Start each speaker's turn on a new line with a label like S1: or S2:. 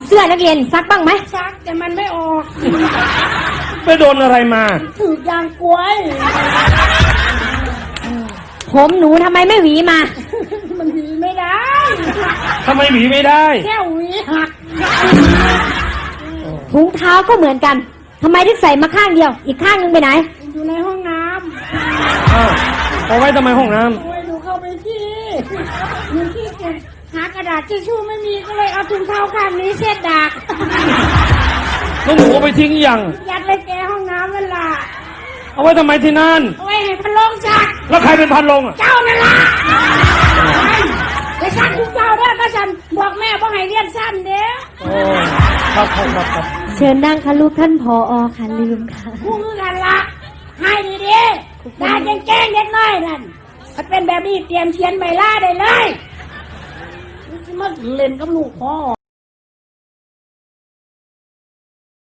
S1: เสื้อนักเรียนซักบ้างไหม
S2: ซักแต่มันไม่ออก
S3: ไปโดนอะไรมา
S2: ถือยางกล้วย
S1: ผมหนูทำไมไม่หวีมา
S2: มันหวีไม่ได้
S3: ทำไมหวีไม่ได้
S2: แค่หวีหัก
S1: ถุงเท้าก็เหมือนกันทำไมถึงใส่มาข้างเดียวอีกข้างนึงไปไหน
S2: อยู่ในห้องน้
S3: ำเอาไว้ทำไมห้องน้ำ
S2: โอ้ยหนูเข้าไปที่หนูขี้เกียจหากระดาษทิชชู่ไม่มีก็เลยเอาถุงเท้าข้างนี้เช็ดดาก
S3: แล้วหนูเอาไปทิ้งยัง
S2: ยัดไปแกห้องน้ำเวลา
S3: เอาไว้ทำไมที่นั่น
S2: เอาไว้ให้พันลงซัก
S3: แล้วใครเป็นพันลงอ่ะ
S2: เจ้านั่นล่ะไปซักทุกเจ้าเด้อก็ฉันบอกแม่ว่าให้เรียนสั้นเด้อ
S3: โอ้ครับ
S1: เชิญนั่งค่ะลูกท่านผอ.ค่ะลืมค่ะ
S2: คู่กันละให้ดีๆด่าแจ้งเด็กน้อยนั่นถ้าเป็นแบบนี้เตรียมเชียนใบลาได้เลยมันเล่นกับลูกพ่อ